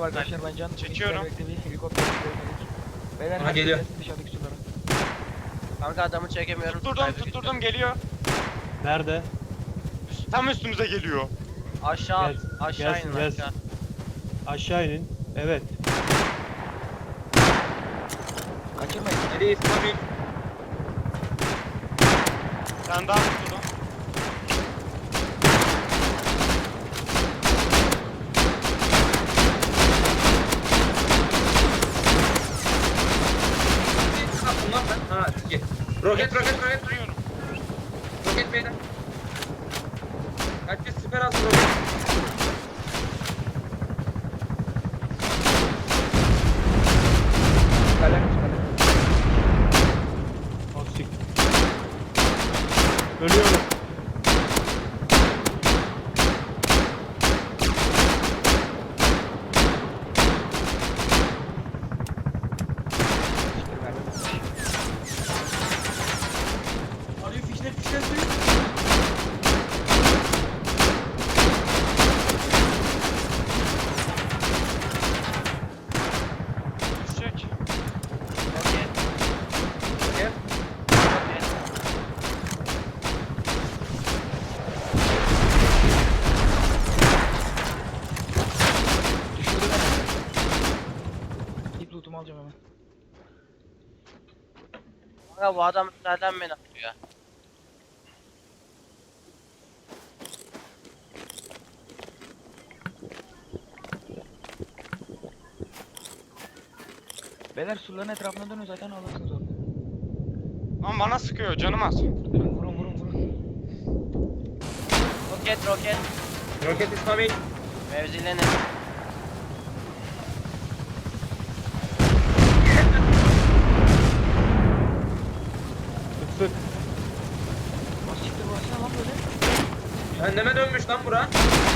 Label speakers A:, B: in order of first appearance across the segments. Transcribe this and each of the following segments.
A: arkadaşlar ben can
B: çekiyorum.
A: bir helikopter görmedik. Beyler
C: Aha, geliyor.
A: Dışarıdaki sulara.
D: Kanka adamı çekemiyorum.
B: Tutturdum geliyor.
E: Nerede?
B: Tam üstümüze geliyor.
D: Aşağı
E: Gelsin,
D: aşağı
E: gelsin,
D: inin
E: gelsin.
D: aşağı.
E: Aşağı inin. Evet.
A: Kaçırmayın.
C: Nereye İsmail?
B: Sen daha tutturdum.
C: Ne yaptın lan sen? Ha git. Roket
B: Duruyorum.
C: roket beyler. Herkes süper az roket.
A: Kalem.
E: Aksik. Ölüyorum.
C: Arıyor fişler suyu.
B: Düşecek.
D: Roket.
C: Roket.
D: Roket.
A: Düşürdü beni. İlk lootumu alacağım hemen.
D: Kanka bu adam nereden beni atıyor?
A: Beyler suların etrafına dönün zaten alırsınız onu.
B: Lan bana sıkıyor canım az.
A: Vurun.
D: Roket.
C: Roket İsmail.
D: Mevzilenin.
E: Sık sık.
A: Siktir burası ne lan böyle?
C: Cehenneme dönmüş lan bura.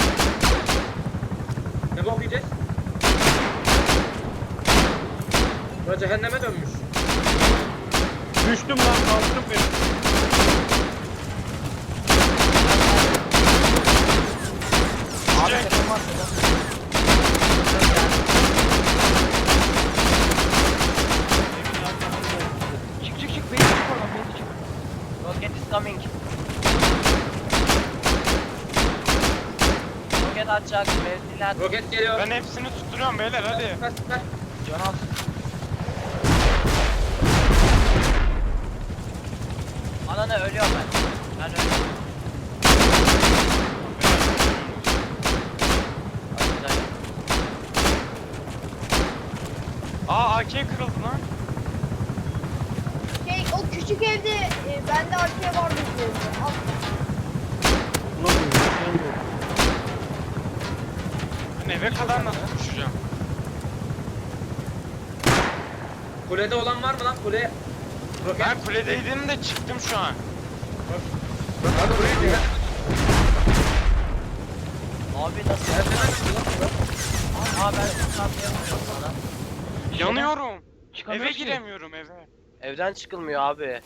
C: Ne bok yiyeceğiz? Bura cehenneme dönmüş.
E: Düştüm lan, kalktım beni.
A: Abi
B: Düşecek.
A: tepem var tepem. Çık beyler çık oradan beyler çık.
D: Roket is coming. Roket atacak. Mevziler.
C: Roket geliyor.
B: Ben hepsini tutturuyorum beyler hadi.
C: Süper.
A: Can al.
D: Ananı ölüyorum ben. Ben ölüyorum. Hadi dayı.
B: AK kırıldı lan.
F: O küçük evde bende arkaya vardı diyordu. Al.
E: Ulan bu,
B: Ben eve kadar nasıl düşeceğim?
C: Kulede olan var mı lan? Kule. Roket.
B: Ben kuledeydim de çıktım şu an.
C: Abi buraya cehenneme.
D: Abi nasıl?
C: Cehenneme dönmüş lan bura.
D: Aa ben tutamıyorum sana.
B: Yanıyorum.
A: Çıkamıyoruz
B: Eve
A: ki.
B: giremiyorum eve.
D: Evden çıkılmıyor abi.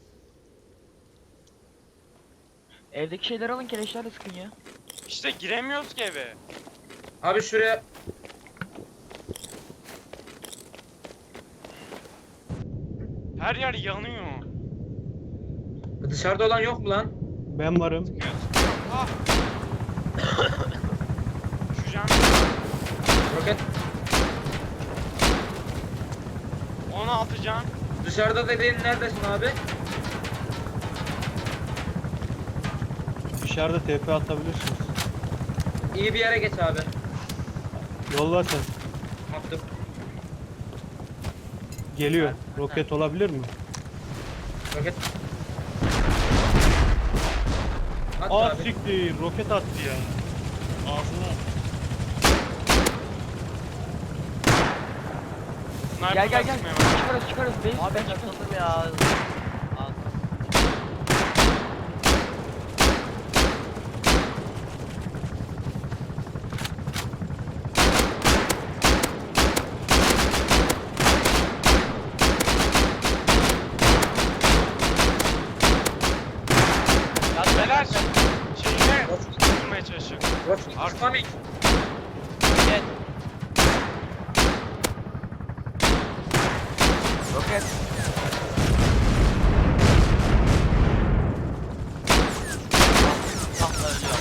A: Evdeki şeyleri alın keleşlerle sıkın ya.
B: İşte giremiyoruz ki eve.
C: Abi şuraya.
B: Her yer yanıyor.
C: Dışarıda olan yok mu lan?
E: ben varım.
B: Ah. Düşeceğim.
C: Roket.
B: 16 can.
C: Dışarıda dediğin neredesin abi?
E: Dışarıda TP atabilirsiniz.
C: İyi bir yere geç abi.
E: Yolla sen.
C: Attım.
E: Geliyor. Roket olabilir mi?
C: Roket. At
E: Aa
C: abi.
E: siktir. Roket attı ya. Ağzına.
B: Sniper'la
A: Gel.
B: sıkmaya başladı.
A: Çıkarız. Base
D: Abi
A: ben çıktım.
D: takıldım ya. Al.
B: Beyler şeyine tutmaya çalışıyor.
C: Roket.
B: Arka.
C: İsmail.
D: Roket.
A: roket.
D: Tam da ölüyor.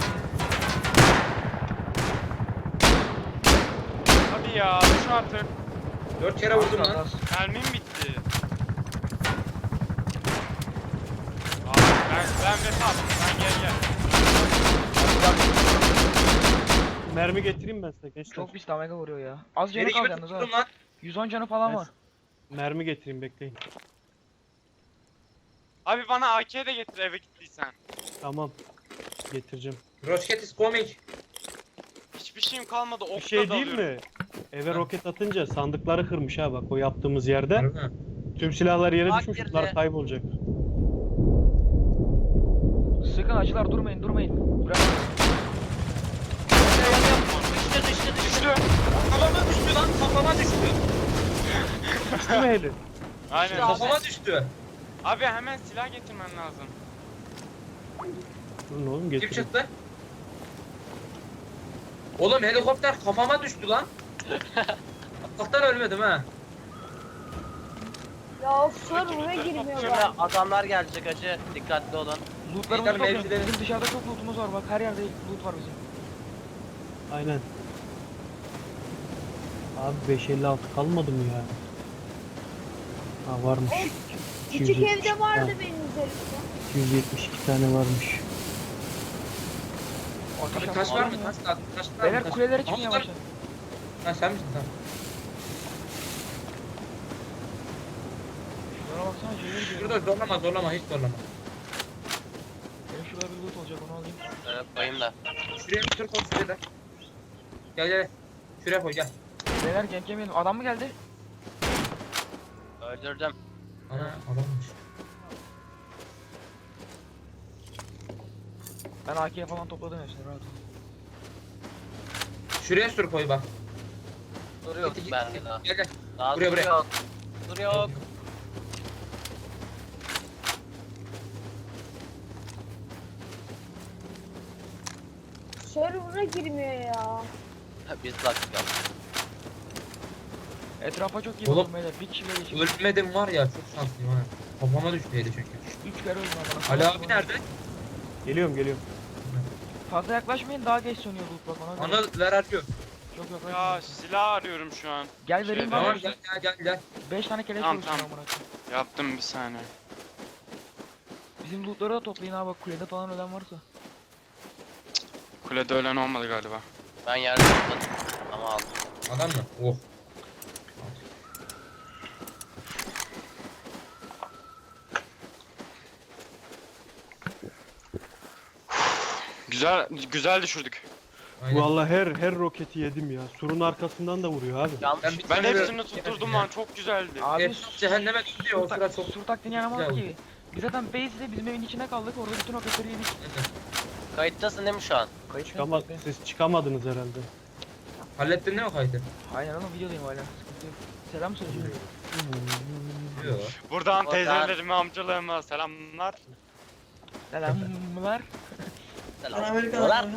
B: Hadi ya düş artık.
C: 4 kere vurdum
A: Az,
C: lan.
A: az.
B: Mermim bitti. Abi ben vefat. Ben gel.
E: Mermi getireyim ben size gençler.
A: Çok pis damage vuruyor ya. Az canı
C: Geri
A: kaldı
C: gibi
A: yalnız ha.
C: tuttum lan.
A: 110 canı falan
E: Ben-
A: var.
E: Mermi getireyim bekleyin.
B: Abi bana AK de getir eve gittiysen.
E: Tamam. Getireceğim.
C: Rocket is coming.
B: Hiçbir şeyim kalmadı.
E: Bir
B: Okla
E: şey değil
B: dalıyorum.
E: mi? Eve roket atınca sandıkları kırmış ha bak o yaptığımız yerde.
C: Harbi mi?
E: Tüm silahlar yere
D: Bak
E: düşmüş
D: girdi.
E: bunlar kaybolacak.
A: Sıkın acılar durmayın. Bırak.
B: Düştü.
C: Kafama düştü lan, kafama düştü.
E: Değil mi Heli?
B: Aynen.
C: Kafama düştü.
B: Abi hemen silah getirmen lazım.
E: Durun oğlum
C: Kim
E: getireyim.
C: çıktı? Oğlum helikopter kafama düştü lan. Allah'tan ölmedim ha.
F: Ya of server'a girmiyor
D: Şimdi
F: ya.
D: adamlar gelecek acı. Dikkatli olun.
A: Lootlarımızı
C: Beyler,
A: toplayın.
C: mevzileri-
A: Bizim dışarıda çok lootumuz var bak. Her yerde loot var bizim.
E: Aynen. Abi 556 kalmadı mı ya? Ha varmış.
F: Küçük
E: 270
F: evde vardı
E: ha,
F: benim üzerimde.
E: 272 tane varmış.
C: Abi
A: Ateş
C: taş var mı?
A: ya.
C: Taş lazım. Taş var mı?
A: Beyler
C: Taş-
A: kulelere çıkın
C: Ama
A: yavaştan.
C: Ha sen misin sen?
A: Şunlara baksana şeyleri görüyorum.
C: Şurada zorlama hiç zorlama.
A: Benim şurada bir loot olacak onu alayım.
D: Koyayım da.
C: Şuraya bir tür koy şuraya da. Gel. Şuraya koy gel.
A: Beyler genk yemeyelim. Adam mı geldi?
D: Öldürdüm.
C: Ana adammış.
A: Ben AK'ye falan topladım hepsini rahat ol.
C: Şuraya sür koy bak.
D: Dur yok bende daha.
C: Gel.
D: Daha
C: Buraya,
D: dur
C: buraya.
D: yok. Dur yok.
F: Server'a girmiyor ya.
D: Biz lastik yaptık.
A: Etrafa çok iyi
C: Oğlum.
A: bakın beyler. Bir kişiyle geçin.
C: Ölmedim var ya çok şanslıyım ha. Kafama düştüydü çünkü.
A: 3 kere öldüm amına.
C: Ali abi nerede?
E: Geliyorum.
A: Fazla yaklaşmayın daha geç sönüyor loot bak ona göre.
C: Ana ver arıyor.
A: Çok
B: Ya
A: yaklaşmayın.
B: silah arıyorum şu an.
A: Gel vereyim
B: Şeyde-
C: Tamam
A: bana.
C: gel.
A: 5 tane keleş
B: Tamam,
A: vurursun
B: tamam.
A: amına koyayım.
B: Yaptım bir saniye.
A: Bizim lootları da toplayın abi bak kulede falan ölen varsa.
B: Kulede ölen olmadı galiba.
D: Ben yerde topladım. Ama aldım.
C: Adam mı? Oh.
B: Güzel düşürdük.
C: Aynen.
E: Vallahi her roketi yedim ya. Surun arkasından da vuruyor abi.
D: Yanlış.
C: bir
B: Ben
C: tane
B: hepsini
C: de-
B: tutturdum
C: Ya.
B: lan çok güzeldi.
A: Abi
C: Hepsi cehenneme gidiyor o sıra çok.
A: sur taktiğini yanamadık
C: güzel
A: ki. Biz zaten base'de bizim evin içine kaldık orada bütün roketleri yedik.
D: Kayıttasın değil mi şu an?
A: Kayıt
E: Siz çıkamadınız herhalde.
C: Hallettin değil mi kaydı?
A: Aynen oğlum videodayım hala sıkıntı yok. Selam söyleyeceğim.
C: Yok.
B: Buradan
D: Oradan-
B: teyzelerime, amcalarıma selamlar.
A: Selamlar.
D: Selamlar.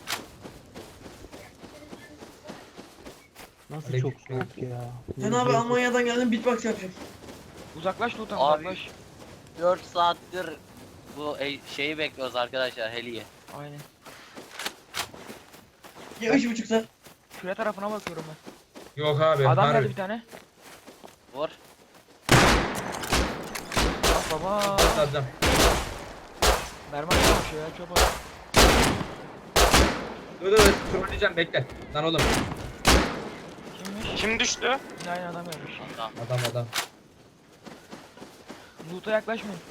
E: Nasıl
C: Aleyküm
E: çok soğuk ya.
G: Sen abi Almanya'dan geldim beatbox yapacağım.
A: Uzaklaş loot'tan
D: Abi.
A: uzaklaş.
D: 4 saattir bu şeyi bekliyoruz arkadaşlar Heli'yi.
A: Aynen.
G: Ya 3,5 saat.
A: Küre tarafına bakıyorum ben.
C: Yok abi.
A: Adam
C: harbi.
A: geldi bir tane.
D: Vur.
A: Bak baba.
C: Adam.
A: Mermi atmış ya çöp at.
C: Dur trolleyeceğim bekle. Lan oğlum.
A: Kimmiş?
B: Kim düştü?
A: Yine aynı adam gelmiş.
D: Tamam.
C: Adam.
A: Loot'a yaklaşmayın.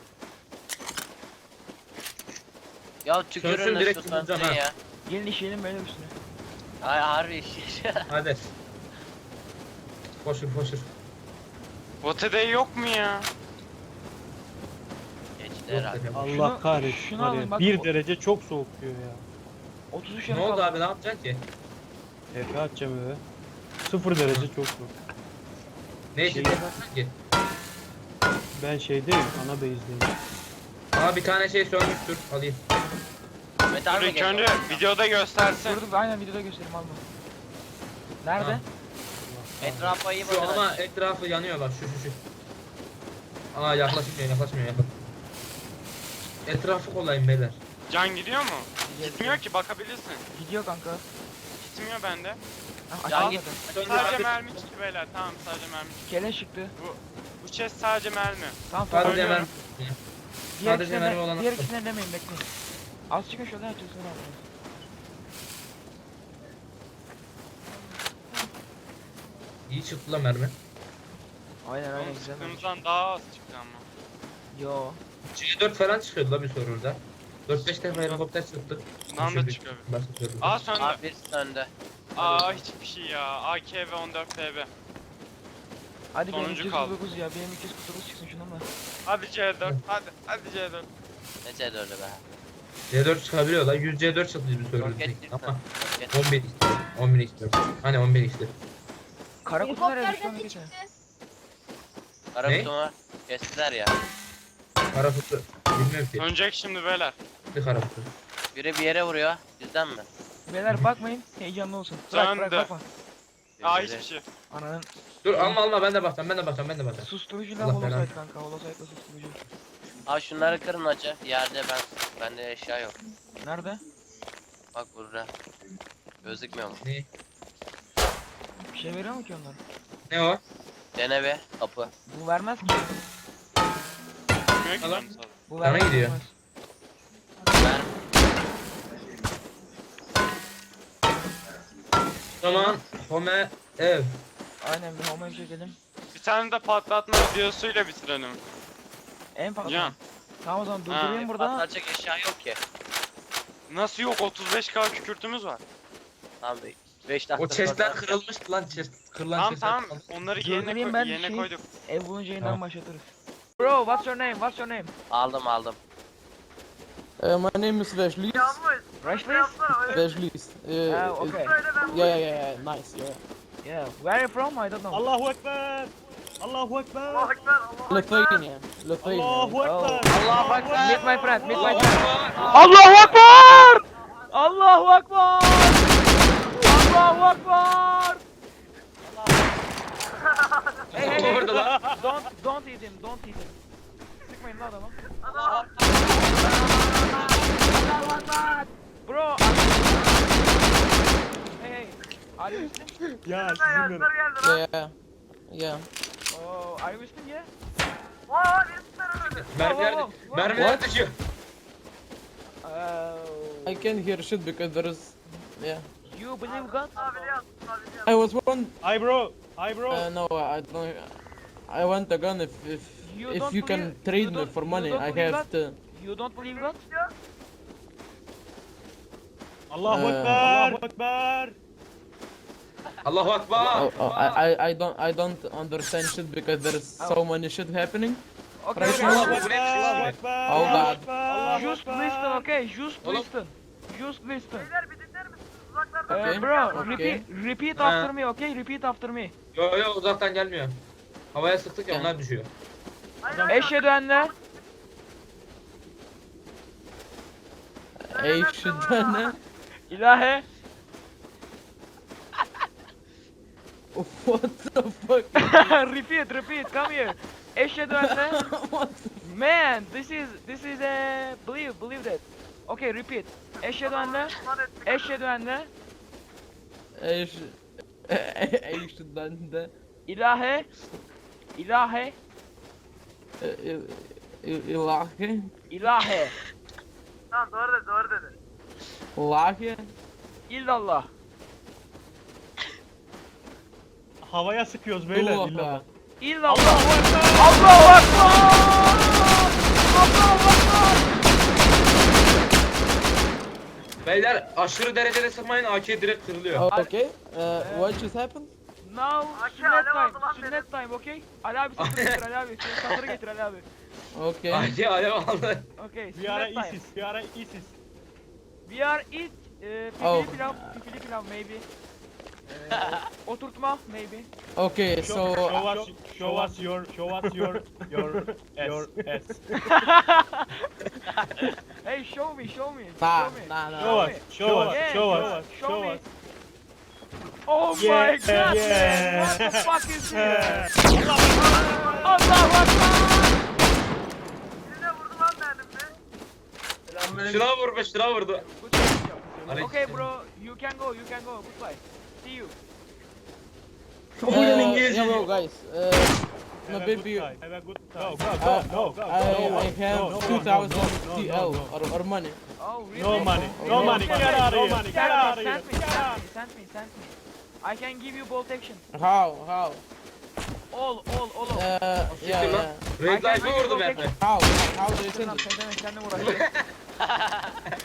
D: Ya tükürün
C: Sönsün,
D: de
C: direkt
D: şu
C: vuracağım
D: sönsün
C: ha.
D: ya.
A: Gelin işleyelim beyler üstüne.
D: Ay harbi iş.
C: Hadi. Koşur.
B: Otede yok mu ya?
D: Geçti herhalde.
E: Allah
A: Şunu-
E: kahretsin
A: şunu
E: var
A: alın
E: ya.
A: bak,
E: 1
A: o-
E: derece çok soğuk diyor ya.
A: 33
C: Ne
A: yanı
C: oldu
A: kaldı.
C: abi ne yapacaksın ki?
E: Efe atacağım eve. 0 derece çok soğuk.
C: Ne için
E: Şey-
C: yapacaksın ki?
E: Ben şeydeyim, ana base'deyim.
C: Aa bir tane şey sönmüştür. Alayım.
D: Metal
B: Dur
D: mi
B: ilk önce
D: geliyor?
B: videoda göstersin.
A: Dur aynen videoda göstereyim alma. Nerede?
C: Ha.
D: Etrafa iyi
C: Şu
D: bakın.
C: ama etrafı yanıyor bak şu. Aa yaklaşmıyor. Etrafı kolayım beyler.
B: Can gidiyor mu? Gitmiyor ki bakabilirsin.
A: Gidiyor kanka.
B: Gitmiyor bende.
A: Ah,
D: Can
A: aşağı
D: git.
A: zaten.
B: Sadece mermi çıktı beyler. Tamam sadece mermi çıktı.
A: Keleş çıktı.
B: Bu chest sadece mermi.
A: Tamam
C: Sadece
A: tamam.
C: hemen sadece mermi olan
A: Diğer
C: attım.
A: ikisinden demeyin bekleyin. Az çıkın şuradan açılsın abi.
C: iyi çıktı lan mermi.
A: Aynen aynen
B: Oğlum
A: güzel.
B: sıktığımızdan daha az çıktı ama.
A: Yo.
C: C4 falan çıkıyordu la bir serverda. 4-5 defa helikopter çıktı.
B: Bundan da
C: Düşürdük.
B: çıkıyor.
C: Başka serverda.
B: Aa söndü.
D: Abi birisi önde.
B: Aa hiçbir şey ya. AK ve 14 TB.
A: Hadi benim
B: Sonuncu kaldı.
A: 249 ya. Benim 249 çıksın şundan da.
B: Hadi C4. Hadi C4.
D: Ne C4'ü be.
C: C4 çıkabiliyor lan. 100 C4 çıktı bir serverda.
D: Roket çıktı.
C: Ama
D: Roket.
C: 11 istiyor. 11 istiyor. Hani 11 istiyor.
A: Kara kutu nereye düştü
F: Helikopterden
A: onu
F: ne
A: geçen.
F: çıktı?
D: Kara
C: Ne?
D: kutumu kestiler ya.
C: Kara kutu. Bilmiyorum ki.
B: Dönecek şimdi beyler.
C: Bir kara kutu.
D: Biri bir yere vuruyor. Bizden mi?
A: Beyler bakmayın. Heyecanlı olsun. Bırak
B: Söndü.
A: bakma.
B: Aa
D: Biri-
B: hiçbir şey.
A: Ananın
C: Dur alma ben de bakacağım.
A: susturucuyla
C: Allah
A: holosite
C: belanı.
A: kanka. Holosite'la susturucu.
D: Abi şunları kırın acı. Yerde bende eşya yok.
A: Nerede?
D: Bak burada. Gözükmüyor mu?
C: Ne?
A: Bir şey veriyor mu ki onlar?
C: Ne o?
D: Dene be kapı.
A: Bu vermez ki.
B: Bilmiyor ki
C: Alan.
B: canım sağ ol.
A: Bu
C: Sana
A: vermez.
C: gidiyor.
A: vermez.
D: Ben
C: O zaman home ev.
A: Aynen bir homoya bir çekelim.
B: Bir tane de patlatma videosuyla bitirelim.
A: En fazla.
B: Can.
A: Tamam o zaman durdurayım burada.
D: patlatacak eşya yok ki.
B: Nasıl yok? 35k kükürtümüz var.
D: Tamam 5 dakika
C: O chestler
D: sonra-
C: kırılmıştı lan chest. Kırılan
B: Tamam
C: chestler
B: tamam.
C: kırılmış.
B: Onları
A: Durdurayım ben
B: yerine
A: şey-
B: koyduk.
A: Ev bulunca yeniden
C: Tamam.
A: başlatırız. Bro, what's your name? What's your name?
D: Aldım.
H: My name is Vejlis.
A: Rashlis?
H: Vejlis.
A: Okay.
H: Yeah, nice, yeah.
A: Yeah. Where are you from? I don't know.
I: Allahu Ekber! Allahu Ekber!
H: Lithuania. Lithuania.
I: Allahu Ekber!
A: Allahu Akbar. Meet my friend. Meet my friend. Allahu Akbar! Allahu Akbar! Allahu Akbar! Hey hey hey.
C: Orada lan.
A: Don't eat him. Don't eat him. Sıkmayın lan adamı. Bro. Hey hey. Are you Muslim?
I: Ya sizinle.
H: Yeah.
A: Oh, are you Muslim? Yeah.
C: Mermiler,
A: Wow, wow, wow.
C: mermiler düşüyor.
A: Oh.
H: I can't hear shit because there is. Yeah.
A: You believe God?
H: I was one.
I: Hi bro! Hi bro!
H: No, I don't. I want a gun if
A: You
H: if
A: don't
H: you can
A: believe-
H: trade
A: you
H: me
A: don't-
H: for
A: you
H: money.
A: don't
H: I
A: believe
H: have to.
A: You don't believe God?
I: Allahu
H: Ee,
I: Ekber! Allahu Ekber!
C: Allahu Akbar.
H: I don't understand shit because there is so many shit happening.
A: Okay,
H: Right
A: okay.
H: now-
C: Bu ne biçim
I: Allahu
C: abi?
I: Ekber!
H: Oh
I: Allahu
H: God.
I: Ekber! Allahu
A: Just
I: Ekber!
A: listen, okay? Just
C: Oğlum.
A: listen. Just listen.
H: Okay.
A: Bro,
H: Okay.
A: repeat
C: Ha.
A: after me, okay? Repeat after me.
C: Yo uzaktan gelmiyor. Havaya sıktık ya
H: Gel.
C: onlar düşüyor.
A: Eşhedü enne.
H: Hey shit, man.
A: İlahe.
H: What the fuck?
A: repeat, come here. Eşhedü enne.
H: What?
A: Man, this is a believe that. Okay, repeat. Eşhedü enne. Eşhedü enne.
H: Hey shit, man.
A: İlahe. İlahe.
H: Ilahi.
A: İlahe.
H: Ilahi.
A: İllallah.
I: Havaya sıkıyoruz beyler.
H: Allah.
I: illallah.
A: İllallah.
I: Allahu Ekber!
A: Allahu Akbar! Allahu Akbar!
C: Beyler aşırı derecede sıkmayın AK direkt kırılıyor.
H: Okay. What just happened?
A: Now sünnet time, okay? Ali abi satırı getir, Ali abi. Senin satırı getir, Ali abi.
H: Okay.
C: AK alev aldı.
A: Okay,
I: We are
A: sünnet time.
I: ISIS. We are ISIS.
A: We are eat
H: Oh.
A: pipili pilav maybe. Oturtma maybe.
H: Okay. So
I: Show us your ass.
A: Hey, show me.
H: Nah,
A: Show me.
H: nah, nah.
I: Show us. Show us.
A: Yeah,
I: Show
A: yeah,
I: us.
A: show
I: Show
A: me.
I: us.
A: Oh my
I: Yeah,
A: god, man.
I: yeah.
A: What the fuck is this?
I: Yeah.
A: Allahu Akbar.
C: Şuna vur be, şuna vurdu.
A: Okay bro, you can go. Goodbye. See you.
G: Oyunun İngilizce.
H: Hello guys. No
I: Have a
H: baby.
I: good time. Have a good time. Go,
H: Uh,
I: go.
H: I have 2000 TL or money.
A: Oh really?
I: No money.
H: Oh,
I: No
H: no
I: money.
H: money.
I: Get out of
A: No
I: here.
A: money.
I: Get out of here.
A: Send me. I can give you bolt action.
H: How?
A: All.
H: Yeah,
C: Siktir lan.
H: yeah.
C: Red Light'ı vurdum hep.
H: How do you send it?
A: Sen de uğraşıyorsun.